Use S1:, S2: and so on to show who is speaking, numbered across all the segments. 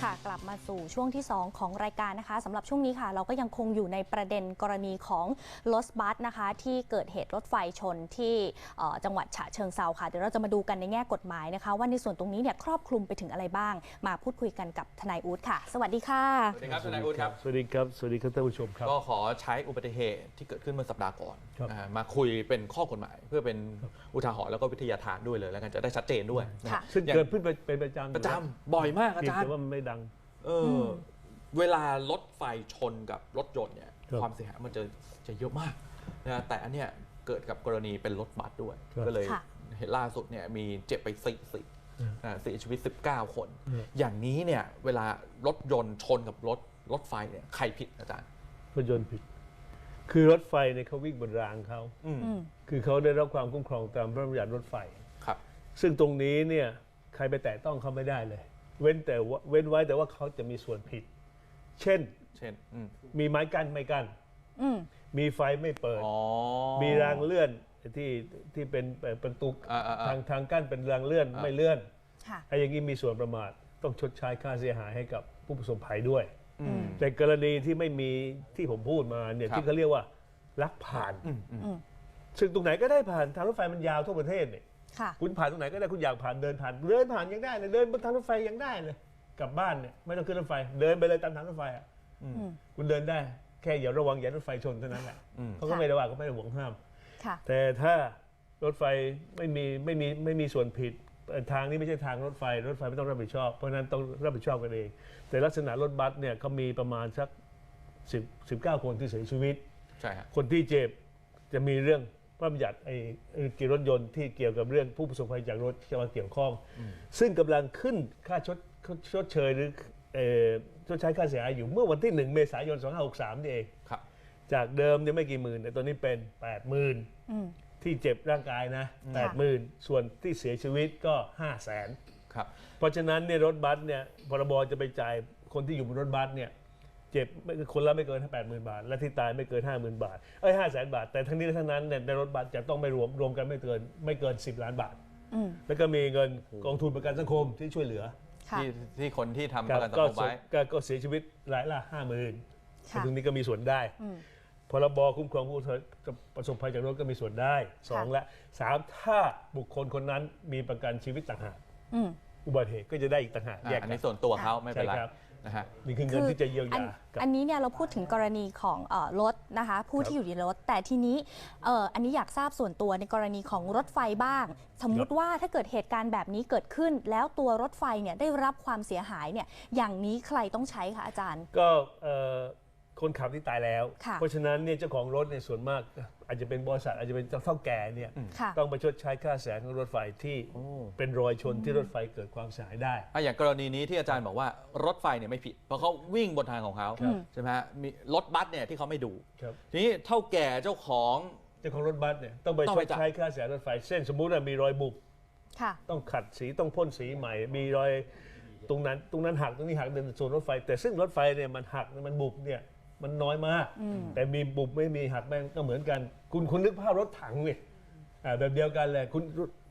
S1: ค่ะกลับมาสู่ช่วงที่ 2 ของรายการนะคะสำหรับช่วงนี้ค่ะเราก็ยังคงอยู่ในประเด็นกรณีของรถบัสนะคะที่เกิดเหตุรถไฟชนที่จังหวัดฉะเชิงเทราค่ะเดี๋ยวเราจะมาดูกันในแง่กฎหมายนะคะว่าในส่วนตรงนี้เนี่ยครอบคลุมไปถึงอะไรบ้างมาพูดคุยกันกับทนายอู๊ดค่ะสวัสดีค่ะ
S2: สวัสดีครับทนายอู๊ดครับ
S3: สวัสดีครับสวัสดีครับท่านผู้ชมครับ
S2: ก็ขอใช้อุบัติเหตุที่เกิดขึ้นเมื่อสัปดาห์ก่อนมาคุยเป็นข้อกฎหมายเพื่อเป็นอุทาหรณ์แล้วก็วิทยาทานด้วยเลยแล้วกันจะได้ชัดเจนด้วย
S3: ซึ่งเกิดขึ้นเป็นประจ
S2: ำบ่อยมากอาจารย์
S3: แต่ว่ามันไม่ดัง
S2: เวลารถไฟชนกับรถยนต์เนี่ยความเสียหายมันจะเยอะมากนะแต่อันเนี้ยเกิดกับกรณีเป็นรถบัสด้วยก็เลยเห็นล่าสุดเนี่ยมีเจ็บไป4เสียชีวิต19 คนอย่างนี้เนี่ยเวลารถยนต์ชนกับรถไฟเนี่ยใครผิดอาจารย์
S3: รถยนต์ผิดคือรถไฟเนี่ยเขาวิ่งบนรางเขาคือเขาได้รับความคุ้มครองตามพระราชบัญญัติรถไฟ
S2: ครับซึ่
S3: งตรงนี้เนี่ยใครไปแตะต้องเขาไม่ได้เลยเว้นไว้แต่ว่าเขาจะมีส่วนผิดเช่นมีไม้กั้นไม่กั้นมีไฟไม่เปิดมีรางเลื่อนที่เป็นประตูทางกั้นเป็นรางเลื่อนไม่เลื่อนไอ้อย่างนี้มีส่วนประมาทต้องชดใช้ค่าเสียหายให้กับผู้ประสบภัยด้วยแต่กรณีที่ไม่มีที่ผมพูดมาเนี่ยที่เขาเรียกว่าลักผ่านซึ่งตรงไหนก็ได้ผ่านทางรถไฟมันยาวทั่วประเทศเนี่ยคุณผ่านตรงไหนก็ได้คุณอยากผ่านเดินผ่านยังได้เลยเดินบนทางรถไฟยังได้เลยกลับบ้านเนี่ยไม่ต้องขึ้นรถไฟเดินไปเลยตามทางรถไฟอ่ะคุณเดินได้แค่อย่าระวังอย่ารถไฟชนเท่านั้นแหละเขาก็ไม่ได้ว่าเขาไม่ได้ห่วงห้ามแต่ถ้ารถไฟไม่มีส่วนผิดทางนี้ไม่ใช่ทางรถไฟไม่ต้องรับผิดชอบเพราะนั้นต้องรับผิดชอบกันเองแต่ลักษณะรถบัสเนี่ยเขามีประมาณสัก19 คนที่เสียชีวิตคนที่เจ็บจะมีเรื่องพระบัญญัติเกี่ยวกับรถยนต์ที่เกี่ยวกับเรื่องผู้ประสบภัยจากรถจะมาเกี่ยวข้องซึ่งกำลังขึ้นค่าชดเชยหรือชดใช้ค่าเสียหายอยู่เมื่อวันที่1 เมษายน 2563นี่เองจากเดิมเนี่ยไม่กี่หมื่นแต่ตอนนี้เป็น 80,000 ที่เจ็บร่างกายนะ 80,000 ส่วนที่เสียชีวิตก็ 500,000
S2: ครับ
S3: เพราะฉะนั้นเนี่ยรถบัสเนี่ยพรบจะไปจ่ายคนที่อยู่บนรถบัสเนี่ยเจ็บคนละไม่เกิน 80,000 บาทและที่ตายไม่เกิน 50,000 บาท500,000 บาทแต่ทั้งนี้ทั้งนั้นเนี่ยในรถบัสจะต้องไม่รวมกันไม่เกิน10 ล้านบาทแล้วก็มีเงินกองทุนประกันสังคมที่ช่วยเหลือ
S2: ที่คนที่ทำประกันสังคมไว้
S3: ก็เสียชีวิตรายละ 50,000 ตรงนี้ก็มีส่วนได้พรบคุ้มครองผู้ประสบภัยจากรถก็มีส่วนได้2และ3ถ้าบุคคลคนนั้นมีประกันชีวิตต่างหากอุบัติเหตุก็จะได้อีกต่างหากแยก
S2: อันนี้ส่วนตัวเขาไม่เป็นไร
S3: นะฮะนี่คือเงินที่จะเยียวยา
S1: อันนี้เนี่ยเราพูดถึงกรณีของรถนะคะผู้ที่อยู่ในรถแต่ทีนี้อันนี้อยากทราบส่วนตัวในกรณีของรถไฟบ้างสมมุติว่าถ้าเกิดเหตุการณ์แบบนี้เกิดขึ้นแล้วตัวรถไฟเนี่ยได้รับความเสียหายเนี่ยอย่างนี้ใครต้องใช้คะอาจารย์
S3: ก็คนขับที่ตายแล้วเพราะฉะนั้นเนี่ยเจ้าของรถในส่วนมากอาจจะเป็นบริษัทอาจจะเป็นเจ้าเฒ่าแก่เนี่ยต้องไปชดใช้ค่าเสียหายของรถไฟที่เป็นรอยชนที่รถไฟเกิดความเสียหายได้
S2: อย่างกรณีนี้ที่อาจารย์บอกว่ารถไฟเนี่ยไม่ผิดเพราะเขาวิ่งบนทางของเขาใช่ไหมฮะมีรถบัสเนี่ยที่เขาไม่ดูทีนี้เฒ่าแก่เจ้าของ
S3: รถบัสเนี่ยต้องไปชดใช้ค่าเสียหายรถไฟเส้นสมมุติว่ามีรอยบุบต้องขัดสีต้องพ่นสีใหม่มีรอยตรงนั้นหักตรงนี้หักในส่วนรถไฟแต่ซึ่งรถไฟเนี่ยมันหักมันบุบเนี่ยมันน้อยมากแต่มีบุบไม่มีหักแม่งก็เหมือนกันคุณนึกภาพรถถังเนี่ยแบบเดียวกันเลยคุณ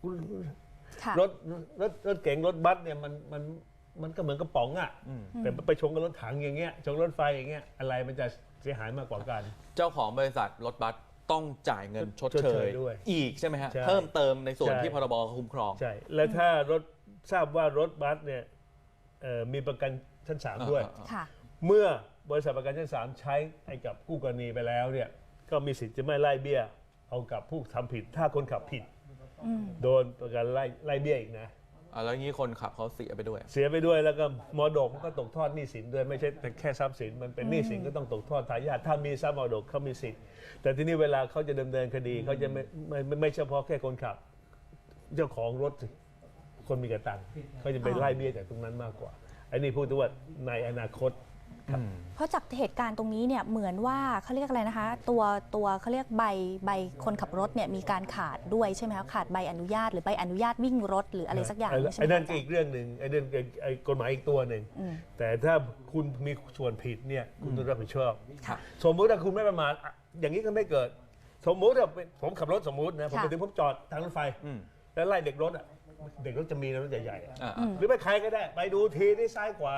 S3: รถเก๋งรถบัสเนี่ยมันก็เหมือนกระป๋องอ่ะแต่ไปชนกับรถถังอย่างเงี้ยชนรถไฟอย่างเงี้ยอะไรมันจะเสียหายมากกว่ากัน
S2: เจ้าของบริษัทรถบัสต้องจ่ายเงินชดเชยด้วยอีกใช่ไหมฮะเพิ่มเติมในส่วนที่พรบคุ้มครอง
S3: ใช่และถ้ารถทราบว่ารถบัสเนี่ยมีประกันชั้น3ด้วยเมื่อบริษัทประกันชั้น3ใช้ให้กับคู่กรณีไปแล้วเนี่ยก็มีสิทธิ์จะไม่ไล่เบี้ยเอากับผู้ทำผิดถ้าคนขับผิดโดนประกันไล่เบี้ยอีกนะ
S2: แล้วงี้คนขับเขาเสียไปด้วย
S3: แล้วก็มรดกก็ตกทอดหนี้สินด้วยไม่ใช่แต่แค่ทรัพย์สินมันเป็นหนี้สินก็ต้องตกทอดทายาทถ้ามีทรัพย์มรดกเขามีสิทธิ์แต่ทีนี้เวลาเขาจะดำเนินคดีเขาจะไม่เฉพาะแค่คนขับเจ้าของรถคนมีกระตังเขาจะไปไล่เบี้ยจากตรงนั้นมากกว่าอันนี้พูดถึงว่าในอนาคต
S1: เพราะจากเหตุการณ์ตรงนี้เนี่ยเหมือนว่าเขาเรียกอะไรนะคะตัวเขาเรียกใบคนขับรถเนี่ยมีการขาดด้วยใช่ไหมคะขาดใบอนุญาตหรือใบอนุญาตวิ่งรถหรืออะไรสักอย่างใช่ไหม
S3: ไอ้นั่นอีกเรื่องหนึ่งไอ้นั่นกฎหมายอีกตัวหนึ่งแต่ถ้าคุณมีส่วนผิดเนี่ยคุณต้องรับผิดชอบสมมุติถ้าคุณไม่ประมาทอย่างนี้ก็ไม่เกิดสมมุติว่าผมขับรถสมมุตินะผมไปถึงผมจอดทางรถไฟแล้วไล่เด็กรถจะมีรถใหญ่ๆหรือไม่ใครก็ได้ไปดูทีที่ซ้ายขวา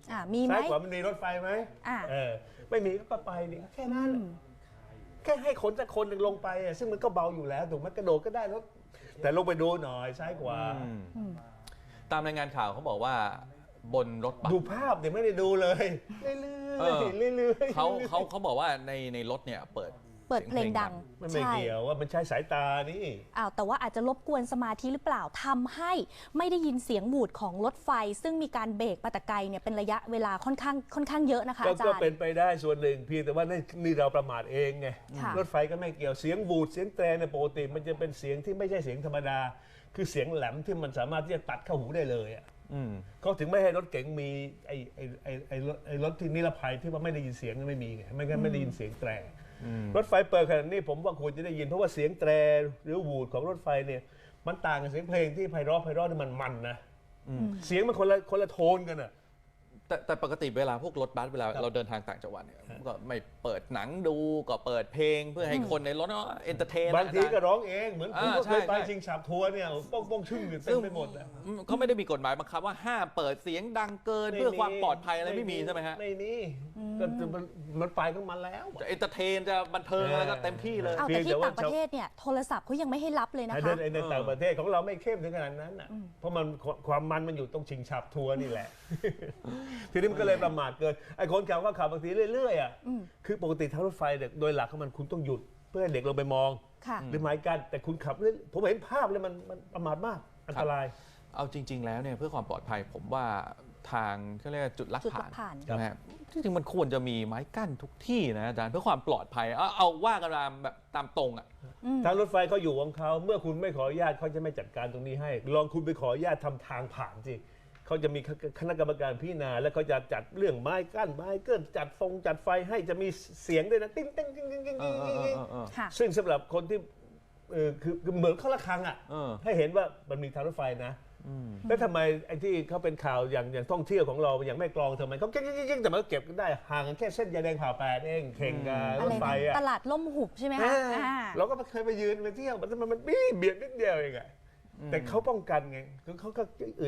S1: มีไหม
S3: ซ้ายขวามันมีรถไฟไหมไม่มีก็ไปนี่แค่นั้นแค่ให้คนสักคนหนึ่งลงไปซึ่งมันก็เบาอยู่แล้วถูกไหมกระโดดก็ได้รถแต่ลงไปดูหน่อยซ้ายขวา
S2: ตามรายงานข่าวเขาบอกว่าบนรถบัส
S3: ดูภาพเดี๋ยวไม่ได้ดูเลยเรื่อยๆ
S2: เขาบอกว่าในรถเนี่ยเปิด
S1: เพลงดัง
S3: มันไม่เกี่ยวว่ามันใช้สายตานี่
S1: แต่ว่าอาจจะรบกวนสมาธิหรือเปล่าทำให้ไม่ได้ยินเสียงหวูดของรถไฟซึ่งมีการเบรกมาแต่ไกลเนี่ยเป็นระยะเวลาค่อนข้างเยอะนะคะอาจารย์
S3: ก็เป็นไปได้ส่วนหนึ่งเพียงแต่ว่านี่เราประมาทเองไงรถไฟก็ไม่เกี่ยวเสียงหวูดเสียงแตรในปกติมันจะเป็นเสียงที่ไม่ใช่เสียงธรรมดาคือเสียงแหลมที่มันสามารถที่จะตัดเข้าหูได้เลยเขาถึงไม่ให้รถเก๋งมีไอ้รถที่นิรภัยที่ว่าไม่ได้ยินเสียงไม่มีไงไม่งั้นไม่ได้ยินเสียงแตรรถไฟเปิดขนาดนี้ผมว่าควรจะได้ยินเพราะว่าเสียงแตรหรือวูดของรถไฟเนี่ยมันต่างกับเสียงเพลงที่ไพเราะนี่มันนะเสียงมันคนละโทนกันอ่ะ
S2: แต่ปกติเวลาพวกรถบัสเวลาเราเดินทางต่างจังหวัดเนี่ยก็ไม่เปิดหนังดูก็เปิดเพลงเพื่อให้คนในรถเอนเตอร์เทน
S3: บางทีก็ร้องเองเหมือนผมก็เคยไปชิงฉับทัวร์เนี่ยป้องชึ่งเต็มไปหมด
S2: เขาไม่ได้มีกฎหมายบังคับว่าห้ามเปิดเสียงดังเกินเพื่อความปลอดภัยอะไรไม่มีใช่ไหมฮะ
S3: ไม่มีก็มันไปของมันแล้ว
S2: จะเอนเตอร์เทนจะบันเทิงอะไรก็เต็มที่เลย
S1: แต่ที่ต่างประเทศเนี่ยโทรศัพท์เขายังไม่ให้รับเลยนะคะ
S3: ในต่างประเทศของเราไม่เข้มถึงขนาดนั้นอ่ะเพราะมันความมันอยู่ตรงชิงฉับทัวร์นี่แหละทีนี้มันก็เลยประมาทเกินไอ้คนขับก็ขับบางทีเรื่อยๆคือปกติทางรถไฟโดยหลักของมันคุณต้องหยุดเพื่อให้เด็กลงไปมองหรือหมายกันแต่คุณขับผมเห็นภาพเลยมันประมาทมากอันตราย
S2: เอาจริงๆแล้วเนี่ยเพื่อความปลอดภัยผมว่าทางเขาเรียกจุดลักผ่านนะฮะจริงๆมันควรจะมีไม้กั้นทุกที่นะอาจารย์เพื่อความปลอดภัยเอาว่ากันมาแบบตามตรง
S3: ทางรถไฟเขาอยู่ของเขาเมื่อคุณไม่ขออนุญาตเขาจะไม่จัดการตรงนี้ให้ลองคุณไปขออนุญาตทำทางผ่านสิเขาจะมีคณะกรรมการพิจารณาแล้วเขาจะจัดเรื่องไม้กั้นไม้เกินจัดไฟให้จะมีเสียงด้วยนะติ้งติ้งติ้งติ้งติ้งซึ่งสำหรับคนที่คือเหมือนเข้าระฆังให้เห็นว่ามันมีทางรถไฟนะแล้วทำไมไอ้ที่เขาเป็นข่าวอย่างท่องเที่ยวของเราอย่างแม่กลองทำไมเขาเก่งแต่มันก็เก็บได้ห่างกันแค่เส้นยาแดงผ่าแปดเองเข่งกับรถไฟ
S1: ตลาดล่มหุบใช่ไหมคะ
S3: เราก็เคยไปยืนไปเที่ยวมันเบียดนิดเดียวเองแต่เขาป้องกันไงเขาก็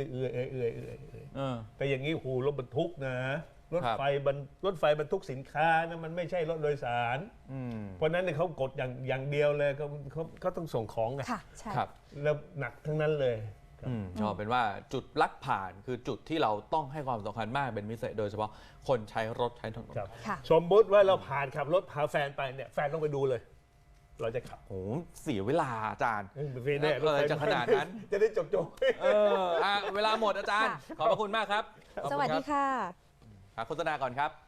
S3: แต่อย่างนี้โหรถบรรทุกนะรถไฟบรรทุกสินค้านะมันไม่ใช่รถโดยสารเพราะนั้นเนี่ยเขากดอย่างเดียวเลยเขาต้องส่งของไง
S2: ครับ
S3: แล้วหนักทั้งนั้นเลย
S2: ชอบเป็นว่าจุดลักผ่านคือจุดที่เราต้องให้ความสำคัญมากเป็นพิเศษโดยเฉพาะคนใช้รถใช้ถนน
S3: สมมติว่าเราผ่านขับรถพาแฟนไปเนี่ยแฟนต้องไปดูเลยเราจะขับ
S2: โอ้เสียเวลาอาจารย์จะขนาดนั้น
S3: จะได้จบ
S2: เวลาหมดอาจารย์ขอบพระคุณมากครับ
S1: สวัสดีค่ะ
S2: โฆษณาก่อนครับ